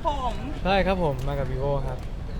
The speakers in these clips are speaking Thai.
ผมใช่ครับผมมากับ vivo ครับ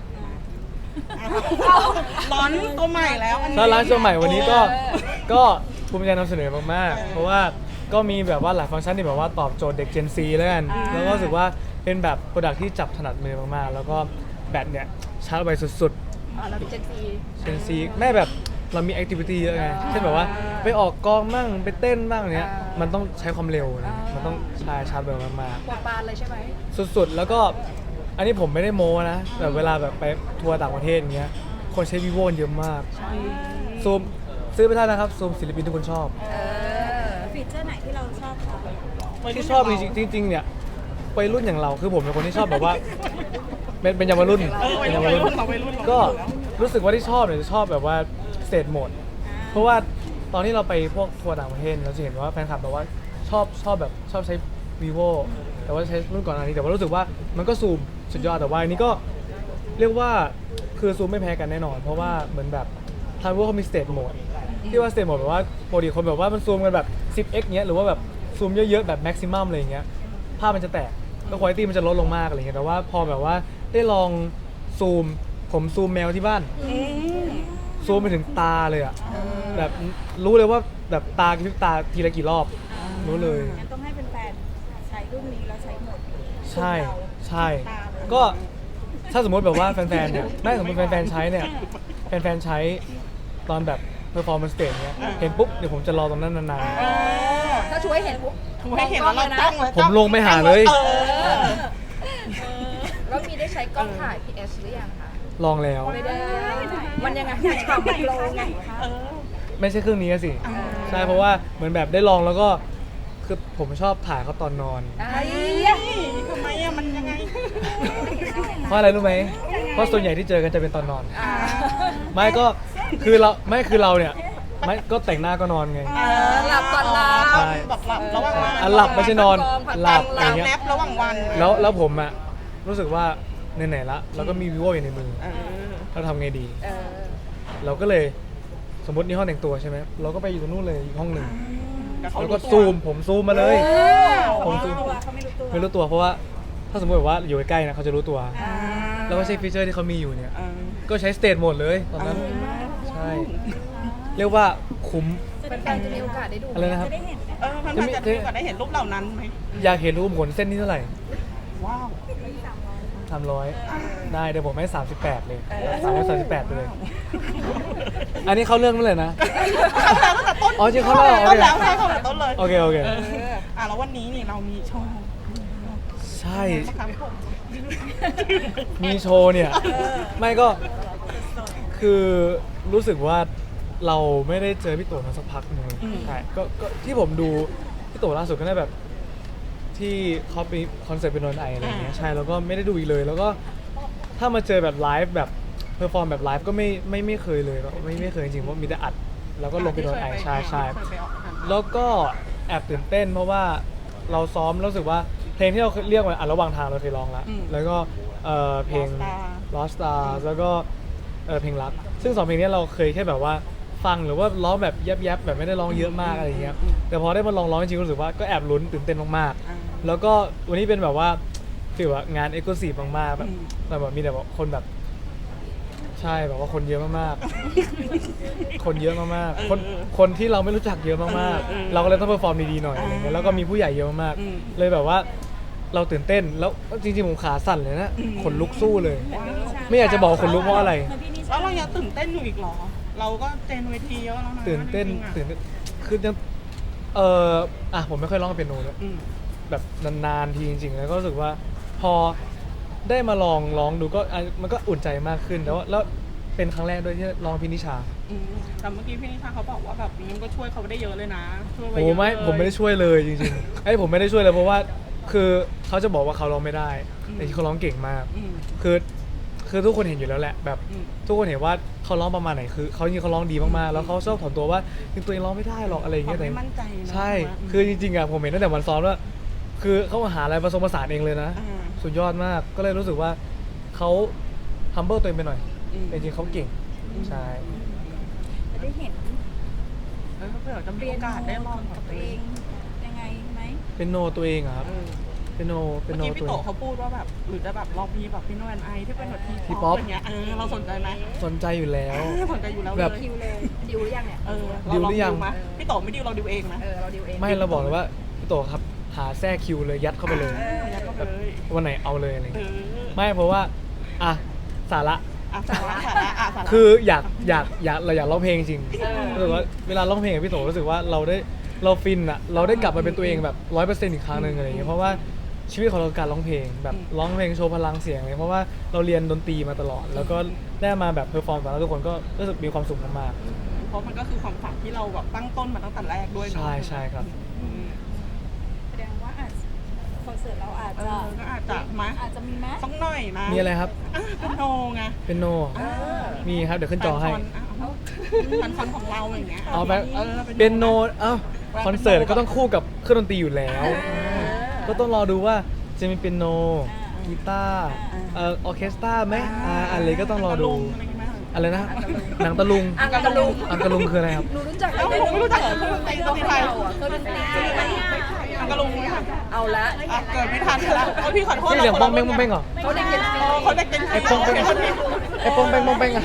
ร้อนตัวใหม่แล้วอันนี้ถ้าร้านตัวใหม่วันนี้ก็ภูมิใจนำเสนอมากๆเพราะว่าก็มีแบบว่าหลายฟังก์ชันที่แบบว่าตอบโจทย์เด็ก Gen Z แล้วกันแล้วก็รู้สึกว่าเป็นแบบโปรดักที่จับถนัดมือมากๆแล้วก็แบตเนี่ยชาร์จไวสุดๆเราเป็นเจนซี Gen Z แม่แบบเรามีแอคทิวิตี้เยอะไงเช่นแบบว่าไปออกกองมั่งไปเต้นบ้างเนี้ยมันต้องใช้ความเร็วนะมันต้องใช้ชาร์จเร็วมากหัวปานเลยใช่ไหมๆสุดๆแล้วก็อันนี้ผมไม่ได้โม้นะแบบเวลาแบบไปทัวร์ต่างประเทศอย่างเงี้ยคนใช้ vivo เยอะมากซูมซื้อไปได้นะครับซูมศิลปินทุกคนชอบฟีเจอร์ไหนที่เราชอบคะที่ชอบจริงๆเนี่ยวัยรุ่นอย่างเราคือผมเป็นคนที่ชอบแบบว่าเป็นเยาวรุ่นวัยเป็นรุ่เยาน วรุ่นเราวัยรุ่นก็รู้สึกว่าที่ชอบเนี่ยจะชอบแบบว่าสเตทโหมดเพราะว่าตอนที่เราไปพวกทัวร์ต่างประเทศเราจะเห็นว่าแฟนคลับแบบว่าชอบแบบชอบใช้ vivo แต่ว่าใช้รุ่นก่อนอันนี้แต่ว่ารู้สึกว่ามันก็ซูมสุดยอดแต่ว่าอันนี้ก็เรียกว่าคือซูมไม่แพ้กันแน่นอน เพราะว่าเหมือนแบบทาง vivo เขามีสเตทโหมดที่ว่าสเตทโหมดแบบว่าปกติคนแบบว่ามันซูมกันแบบ 10x เงี้ยหรือว่าแบบซูมเยอะๆแบบ maximum อะไรอย่างเงี้ยภาพมันจะแตกก็คุณภาพมันจะลดลงมากอะไรเงี้ยแต่ว่าพอแบบว่าได้ลองซูมผมซูมแมวที่บ้านซูมไปถึงตาเลยอ่ะแบบรู้เลยว่าแบบตากระพริบตาทีละกี่รอบรู้เลยงั้นต้องให้เป็นแฟนใช้รุ่นนี้แล้วใช้หมดใช่ใช่ก็ถ้าสมมติแบบว่าแฟนๆเนี่ยไม่สมมติแฟนๆใช้เนี่ยแฟนๆใช้ตอนแบบ performance stage เนี่ยเห็นปุ๊บเดี๋ยวผมจะรอตรงนั้นนานๆถ้าช่วยเห็นปุ๊บถูกให้เห็นแล้วเราจ้องเลยผมลงไปหาเลยแล้วมีได้ใช้กล้องถ่าย PS หรือยังคะลองแล้วไม่ได้ มันยังไงมันฉ่ำมันโลไงไม่ใช่เครื่องนี้สิใช่เพราะว่าเหมือนแบบได้ลองแล้วก็คือผมชอบถ่ายเขาตอนนอนไอ้ทำไมอะมันยังไงเพราะอะไรรู้ไหมเพราะส่วนใหญ่ที่เจอกันจะเป็นตอนนอน ไม่ก็คือเราเนี่ยไม่ก็แต่งหน้าก็นอนไงหลับก่อนหลับใช่แบบหลับระหว่างวันหลับไม่ใช่นอนหลับอหลัย่าบงเงี้ยแนบระหว่างวันแล้วผมอะรู้สึกว่าไหนๆละเราก็มี vivo อยู่ในมือเราทำไงดี เราก็เลยสมมตินี่ห้องแต่งตัวใช่ไหมเราก็ไปอยู่ตรงนู้นเลยอีกห้องหนึ่งแล้วก็ซูมผมซูมมาเลยผมซูมเขาไม่รู้ตัวไม่รู้ตัวเพราะว่าถ้าสมมติแบบว่าอยู่ใกล้ๆนะเขาจะรู้ตัว แล้วก็ใช้ฟีเจอร์ที่เขามีอยู่เนี่ยก็ใช้สเตทโหมดเลยตอนนั้นใช่เรียกว่าคุ้มเป็นแฟนจะมีโอกาสได้ดูอะไรนะครับจะได้เห็นมันจะมีโอกาสได้เห็นรูปเหล่านั้นไหมอยากเห็นรูปขนเส้นนี้เท่าไหร่ว้าว 300ได้เดี๋ยวผมให้38เลย338ไปเลย อันนี้เข้าเรื่องเมื่อไหร่นะเข้าแล้วตั้งแต่ต้นอ๋อจริงเข้าแล้วโอเคแล้วใช่เข้าแต่ต้นเลยโอเคโอเคแล้ววันนี้นี่เรามีโชว์ใช่นะครับผมมีโชว์เนี่ยไม่ก็คือรู้สึกว่าเราไม่ได้เจอพี่โตมาสักพักหนึงใช่ก็ที่ผมดูพี่โตล่าสุดก็ได้แบบที่เขาไปคอนเสิร์ตเป็นนนไออะไรอย่างเงี้ยใช่แล้วก็ไม่ได้ดูอีกเลย แล้วก็ถ้ามาเจอแบบไลฟ์แบบเพอร์ฟอร์มแบบไลฟ์ก็ไม่เคยเลยไม่เคยจริงๆเพราะมีแต่อัดแล้วก็ลงไปนนไอใช่ใช่แล้วก็แอบตื่นเต้นเพราะว่าเราซ้อมแล้วรู้สึกว่าเพลงที่เราเรียกว่าอันระหว่างทางเราเคยร้องแล้วแล้วก็เพลง Lost Stars แล้วก็เพลงรักซึ่งสองเพลงนี้เราเคยแค่แบบว่าฟังหรือว่าร้องแบบแยบๆแบบไม่ได้ร้องเยอะมากอะไรอย่างเงี้ยแต่พอได้มาลองร้องจริงๆรู้สึกว่าก็แอบลุ้นตื่นเต้นมากๆแล้วก็วันนี้เป็นแบบว่าฟีลว่างานเอ็กซ์คลูซีฟมากๆแบบมีแต่แบบคนแบบใช่แบบว่าคนเยอะมากๆคนเยอะมากๆคนที่เราไม่รู้จักเยอะมากๆเราก็เลยต้องเพอร์ฟอร์มดีๆหน่อยอะไรเงี้ยแล้วก็มีผู้ใหญ่เยอะมากๆเลยแบบว่าเราตื่นเต้นแล้วจริงๆผมขาสั่นเลยนะขนลุกสู้เลย ไม่อยากจะบอกว่าขนลุกเพราะอะไรแล้วเรายังตื่นเต้นอยู่อีกเหรอ เราก็เจนเวทีเยอะแล้วนะตื่นเต้นคือยังผมไม่ค่อยร้องเปียโนเลยแบบนานๆทีจริงๆแล้วก็รู้สึกว่าพอได้มาลองร้องดูก็มันก็อุ่นใจมากขึ้นแล้วเป็นครั้งแรกด้วยที่ร้องพินิชาแต่เมื่อกี้พี่นิชาเขาบอกว่าแบบนี้ก็ช่วยเขาได้เยอะเลยนะช่วยไปโอ้เยอะไม่ผมไม่ได้ช่วยเลยจริงๆผมไม่ได้ช่วยเลยเพราะว่าคือเขาจะบอกว่าเขาร้องไม่ได้แต่ที่เขาร้องเก่งมากคือทุกคนเห็นอยู่แล้วแหละแบบทุกคนเห็นว่าเขาร้องประมาณไหนคือเขาจริงเขาร้องดีมากๆแล้วเขาชอบถ่อมตัวว่าจริงตัวเองร้องไม่ได้หรอกอะไรอย่างเงี้ยแต่ไม่มั่นใจนะใช่คือจริงๆอะผมเห็นตั้งแต่วันซ้อมว่าคือเขาหาอะไรผสมผสานเองเลยนะสุดยอดมากก็เลยรู้สึกว่าเขา humble ตัวเองไปหน่อยแต่จริงๆเขาเก่งใช่จะได้เห็นเผื่อจะมีโอกาสได้ลองกับตัวเองยังไงไหมเป็นโนตัวเองอะครับเป็นโนเมื่อตัวกี้พี่โตนี้เขาพูดว่าแบบหรือจะแบบลองมีแบบพี่โนแอนไอที่เป็นแบบทีทีป๊ป๊ออปปอย่างเงี้ยเราสนใจไหมสนใจอยู่แล้วสนใจอยู่แล้วแบบเลยคิวเลยดิวหรือยังเนี่ยดิวหรือยังมพี่โตไม่ดิวเราดิวเองนะเราดิวเองไม่เราบอกเลยว่าพี่โตครับหาแทรกคิวเลยยัดเข้าไปเลยยัดเข้าไปเลยวันไหนเอาเลยอะไรอย่างเอเงี้ยอไม่เพราะว่าอ่ะสาระสาระสาระคืออยากเราอยากร้องเพลงจริงรู้สึกว่าเวลาร้องเพลงกับพี่โตรู้สึกว่าเราฟินอะเราได้กลับมาเป็นตัวเองแบบ100%อีกครั้งหนึ่งอะไรอย่างเงี้ยเพราะว่าชีวิตของเราคือการร้องเพลงแบบร้องเพลงโชว์พลังเสียงเลยเพราะว่าเราเรียนดนตรีมาตลอด แล้วก็ได้มาแบบเพอร์ฟอร์มต่อหน้าทุกคนก็รู้สึกมีความสุขมากเพราะมันก็คือความฝันที่เราแบบตั้งต้นมาตั้งแต่แรกด้วยๆเนอะใช่ครับอืมแสดงว่าคอนเสิร์ตเราอาจจะก็อาจจะมาอาจจะมีไหมสักหน่อยนะมีอะไรครับเป็นโนไงเป็นโนมีครับเดี๋ยวขึ้นจอให้แฟนคอนของเราอย่างเงี้ยเอาแบบออเป็นโนคอนเสิร์ตก็ต้องคู่กับเครื่องดนตรีอยู่แล้ว ก็ต้องรอดูว่าจะมีเป็นโนกีตาร์ออร์เคสตราไหมอะไรก็ต้องรอดู อะไรนะหนังตะลุงอังกะลุงอังกะลุงคืออะไรครับหนูรู้จักผมไม่รู้จักเหรอเครื่องดนตรีเราอ่ะเครื่องดนตรีอังกะลุงไหมคะเอาละเกิดไม่ทันแล้วพี่ขอโทษที่เสียงป้องเป้งป้องเป้งเหรอเขาได้เก็บฟรีเขาได้กินไอ้ป้องเป้งไอ้ป้องเป้งป้องเป้งอะ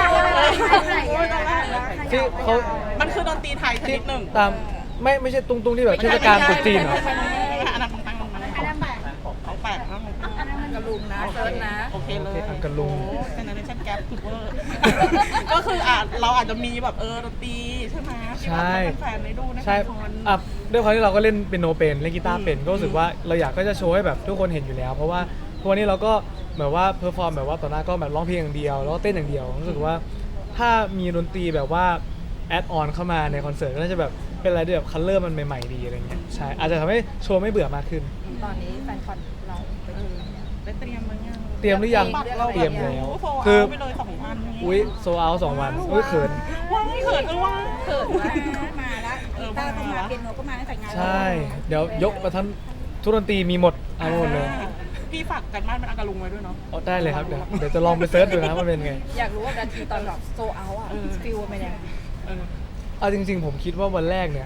ที่เขามันคือดนตรีไทยชที่นิดหนึ่งตามไม่ใช่ตรงที่แบบเทศกาลตรุษจีนเหรออันนั้นของของแปลกนะอังกะลุงนะเซิร์ชนะโอเคเลยอังกะลุงเจเนอเรชั่นแกปถูกเวอร์ก็คือเราอาจจะมีแบบดนตรีใช่ไหมที่แบบให้แฟนๆได้ดูในใช่คอนด้วยความที่เราก็เล่นเป็นโนเป็นเล่นกีตาร์เป็นก็รู้สึกว่าเราอยากก็จะโชว์ให้แบบทุกคนเห็นอยู่แล้ว เพราะว่าทุกวันนี้เราก็แบบว่าเพอร์ฟอร์มแบบว่าต่อหน้าก็แบบร้องเพลงอย่างเดียวแล้วก็เต้นอย่างเดียวรู้สึกว่าถ้ามีดนตรีแบบว่าแอดออนเข้ามาในคอนเสิร์ตก็น่าจะแบบเป็นอะไรที่แบบคัลเลอร์มันใหม่ๆดีอะไรเงี้ยใช่อาจจะทำให้โชว์ไม่เบื่อมากขึ้นตอนนี้แฟนคอนเราไปถึงไหนเนี่ยได้เตรียมมั้ยยังเตรียมหรือยังเตรียมแล้วคือไปเลย2 วันอุ้ยโซเอา2 วันอุ้ยเขินว้ายเขินกันว่าเขินมากมาแล้วกีตาร์ก็มาเปียโนก็มาตั้งแต่งานใช่ เดี๋ยวยกมาทั้งทุกดนตรีมีหมดเอาหมดเลยพี่ฝากกันบ้านเป็นอังกะลุงไว้ด้วยเนาะเอาได้เลยครับเดี๋ยวจะลองไปเซิร์ชดูนะว่าเป็นไงอยากรู้ว่านาทีตอนแบบโซเอาอ่ะฟิลเป็นยังไงเออเอาจริงๆผมคิดว่าวันแรกเนี่ย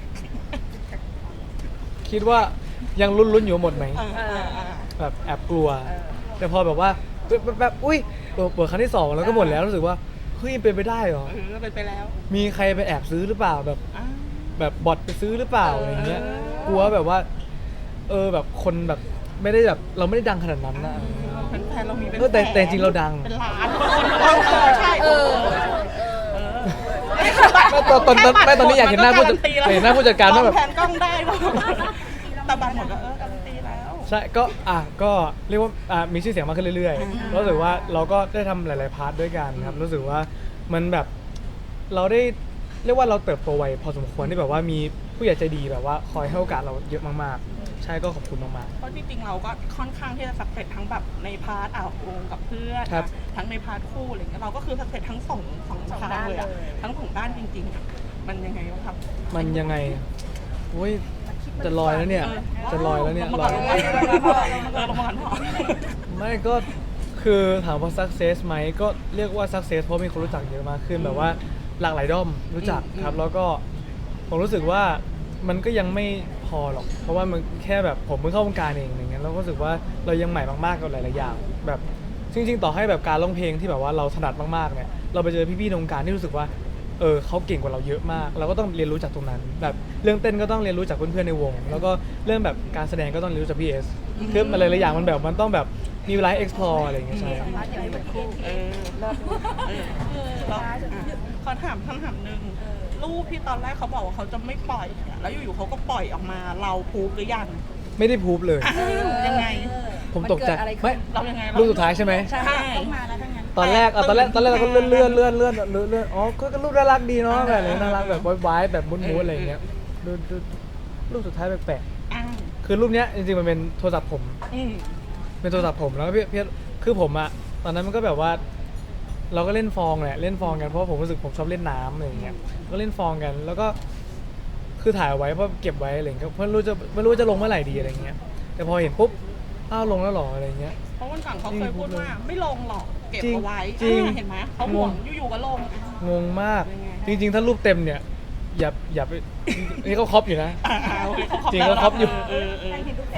คิดว่ายังลุ้นๆอยู่หมดไหม แบบแอบกลัว แต่พอแบบว่าแบบอุ้ยเปิดครั้งที่ 2 แล้วก็หมดแล้วรู้สึกว่าเฮ้ยเป็นไปได้เหรอเป็นไปแล้วมีใครไปแอบซื้อหรือเปล่าแบบอ่าแบบบอทไปซื้อหรือเปล่าอะไรเงี้ยเออกลัวแบบว่าแบบคนแบบไม่ได้แบบเราไม่ได้ดังขนาดนั้นนะแฟนๆเรามีเป็นแต่จริงเราดังเป็นล้านใช่ไม่ตอนนี้อยากเห็นหน้าผู้จัดเห็นหน้าผู้จัดการว่าแบบแผนกล้องได้แต่บัตรหมดก็การันตีแล้วใช่ก็เรียกว่ามีชื่อเสียงมากขึ้นเรื่อยๆรู้สึกว่าเราก็ได้ทำหลายๆพาร์ทด้วยกันครับรู้สึกว่ามันแบบเราได้เรียกว่าเราเติบโตไวพอสมควรที่แบบว่ามีผู้ใหญ่ใจดีแบบว่าคอยให้โอกาสเราเยอะมากๆใช่ก็ขอบคุณมากเพราะจริงๆเราก็ค่อนข้างที่จะสักเสร็จทั้งแบบในพาร์ทวงกับเพื่อนครับทั้งในพาร์ทคู่อะไรเงี้ยเราก็คือสักเสร็จทั้งสองทางเลยอะทั้งสองด้านจริงๆอะมันยังไงวะครับๆมันยังไงโอ้ยจะลอยแล้วเนี่ยจะลอยแล้วเนี่ยลงลมาอยลงมาก่อนไม่ก็คือถามว่า success ไหมก็เรียกว่า success เพราะมีคนรู้จักเยอะมากขึ้นแบบว่าหลากหลายด้อมรู้จักครับแล้วก็ผมรู้สึกว่ามันก็ยังไม่พอหรอกเพราะว่ามันแค่แบบผมเพิ่งเข้าวงการเองอย่างเงี้ยเราก็รู้สึกว่าเรายังใหม่มากๆกับหลายๆอย่างแบบจริงๆต่อให้แบบการร้องเพลงที่แบบว่าเราถนัดมากๆเนี่ยเราไปเจอพี่ๆในวงการที่รู้สึกว่าเขาเก่งกว่าเราเยอะมากเราก็ต้องเรียนรู้จากตรงนั้นแบบเรื่องเต้นก็ต้องเรียนรู้จากเพื่อนๆในวง แล้วก็เรื่องแบบการแสดงก็ต้องเรียนรู้จากพี่เอสคือมันหลายๆอย่างมันแบบมันต้องแบบมีเวลา explore อะไรอย่างเงี้ยใช่พาร์ทอย่างนี้เหมือนคู่แล้วขอถามคำถามหนึ่งรูปที่ตอนแรกเขาบอกว่าเขาจะไม่ปล่อยอะแล้วอยู่ๆเขาก็ปล่อยออกมาเราพูบหรือยังไม่ได้พูบเลยยังไงผมตกใจมันเกิดอะไรขึ้นไม่เรายังไงรูปสุดท้ายใช่ไหมใช่ต้องมาแล้วทั้งนั้นตอนแรกเราก็เลื่อนอ๋อก็รูปน่ารักดีเนาะแบบนี้น่ารักแบบวายแบบมุ้นๆอะไรอย่างเงี้ยดูรูปสุดท้ายแปลกอ่าๆคือรูปเนี้ยจริงๆมันเป็นโทรศัพท์ผม เป็นโทรศัพท์ผมแล้วก็พี่คือผมอะตอนนั้นมันก็แบบว่า เราก็เล่นฟองแหละเล่นฟองกันเพราะผมรู้สึกผมชอบเล่นน้ำอะไรอย่างเงี้ยก็เล่นฟองกันแล้วก็คือถ่ายไว้เพราะเก็บไว้อะไรอย่างเงี้ยเพราะไม่รู้ว่าจะลงเมื่อไหร่ดีอะไรเงี้ยแต่พอเห็นปุ๊บอ้าวลงแล้วหรออะไรเงี้ยเพราะวันก่อนเขาเคยพูดว่าไม่ลงหรอกเก็บเอาไว้จริงเห็นไหมเขาห่วงอยู่ๆก็ลงงงมากยังไงจริง ๆ ถ้ารูปเต็มเนี่ยอย่าไป นี่เขาครอปอยู่นะโอเคเขาจริงก็ครบอยู่เออแต่เห็นรูปเต็มทำไงอะ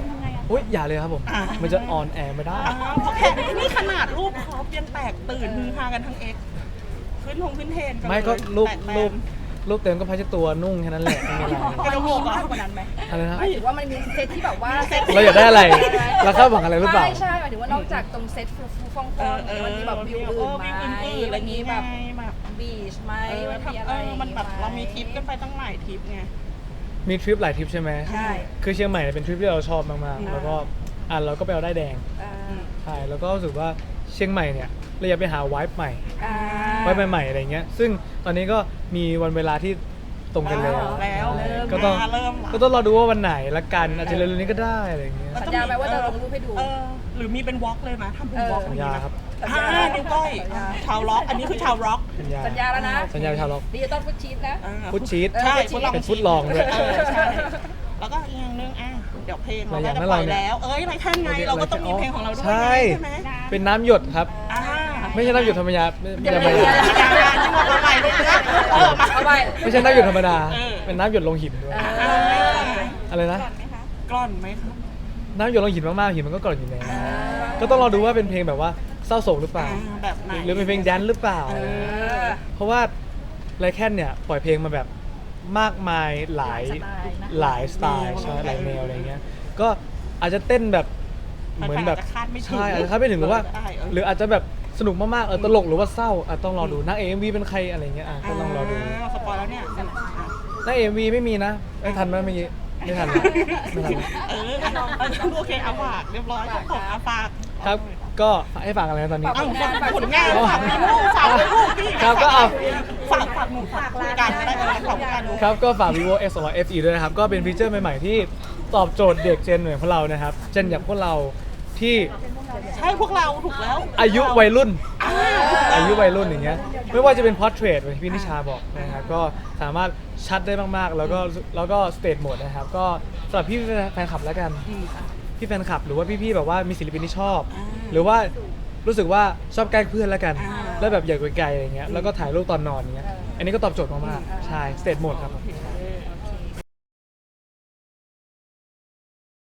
อุ้ยอย่าเลยครับผมอ่ามัมันจะออนแอร์ไม่ได้เพราะแค่นี่ขนาดรูปคอปยังแตกตื่นฮือฮากันทั้งเอ็กขึ้นเทรนกันไม่ก็เลยรูปแตกแตนรูปเต็มก็พัชตัวนุ่งแค่นั้นแหละไม่มีอะไรกระโดดมากกว่านั้นไหมอะไรนะหมายถึงว่ามันมีเซตที่แบบว่าเราอยากได้อะไรเราคาดหวังอะไรหรือเปล่าไม่ใช่หมายถึงว่านอกจากตรงเซตฟูๆฟองๆมันมีแบบวิวอื่นไหมอะไรนี้แบบแบบบีชไหมมันมีอะไรมันแบบเรามีทริปกันไปตั้งหลายทริปไงมีทริปหลายทริปใช่ไหมใช่คือเชียงใหม่เป็นทริปที่เราชอบมากๆแล้วก็เราก็ไปเอาได้ายแดงอ่าใช่แล้วก็รู้สึกว่าเชียงใหม่เนี่ยเราอยากไปหาไวท์ใหม่อ่าไวท์ใหม่ๆอะไรเงี้ยซึ่งตอนนี้ก็มีวันเวลาที่ตรงกันแล้วแล้วก็ต้องเริ่มก็ต้องรอดูว่าวันไหนละกันอาจจะเร็วๆนี้ก็ได้อะไรเงี้ยสัญญาไหมว่าจะลงรูปให้ดูหรือมีเป็นวอล์กเลยนะทำเป็นวอล์กสัญญาครับนิ้วก้อยชาวร็อกอันนี้คือชาวร็อกสัญญาแล้วนะสัญญาชาวล็อกดิจิตอลฟุตชีทนะฟุตชีทใช่เป็นฟุตลองด้วยใช่แล้วก็อีกอย่างนึงเดี๋ยวเพลงเราก็จะอะไรอย่างนั้นปล่อยเราเนี่ยแล้วไรแค่ไงเราก็ต้องมีเพลงของเราด้วยใช่ใช่ไหมเป็นน้ำหยดครับ ไม่ใช่น้ำหยดธรรมดาไม่ใช่ธรรมดาเอาไปเลยนะเอาไปไม่ใช่น้ำหยดธรรมดา เป็นน้ำหยดลงหินด้วยอะไรนะกล่อนไหมครับน้ำหยดลงหินมากๆหินมันก็กร่อนอยู่แล้วก็ต้องรอดูว่าเป็นเพลงแบบว่าเศร้าโศกหรือเปล่าแบบไหนหรือเป็นเพลงแดนซ์หรือเปล่า เพราะว่าไรแค่นเนี่ยปล่อยเพลงมาแบบมากมายหลายสไตล์ใช่หลายแนวอะไรเงี้ยก็อาจจะเต้นแบบเหมือนแบบใช่อาจจะคาดไม่ถึงหรือว่า หรืออาจจะแบบสนุกมากๆตลกหรือว่าเศร้าต้องรอดูนางเอ็มวีเป็นใครอะไรเงี้ยก็ต้องรอดูสปอยแล้วเนี่ยนางเอ็มวีไม่มีนะไม่ทันไหมเมื่อกี้ไม่ทันนะไม่ทันนะโอเคเอาฝากเรียบร้อยของอาฝากครับก็ให้ฝากอะไรนะตอนนี้ฝากผลงานฝากลูกฝากลูกพี่ครับก็เอาฝากหนูฝากรายการได้เลยของการดูครับก็ฝาก vivo x 2 0 0 fe ด้วยนะครับ ก็เป็นฟีเจอร์ใหม่ๆที่ตอบโจทย์เด็กเจนเหมือนพวกเรานะครับ เจนอย่างพวกเราที่ใช่พวกเราถูกแล้วอายุวัยรุ่น อายุวัยรุ่นอย่างเงี้ยไม่ว่าจะเป็น portrait เหมือนที่พี่นิชาบอกนะครับก็สามารถชัดได้มากๆ แล้วก็ state mode นะครับ ก็สำหรับพี่แฟนคลับแล้วกัน พี่แฟนคลับหรือว่าพี่ๆแบบว่ามีศิลปินที่ชอบ หรือว่ารู้สึกว่าชอบใกล้เพื่อนแล้วกัน แล้วแบบอยากไกลๆอะไรเงี้ยแล้วก็ถ่ายรูปตอนนอนอย่างเงี้ยอันนี้ก็ตอบโจทย์มากๆใช่ state mode ครับผม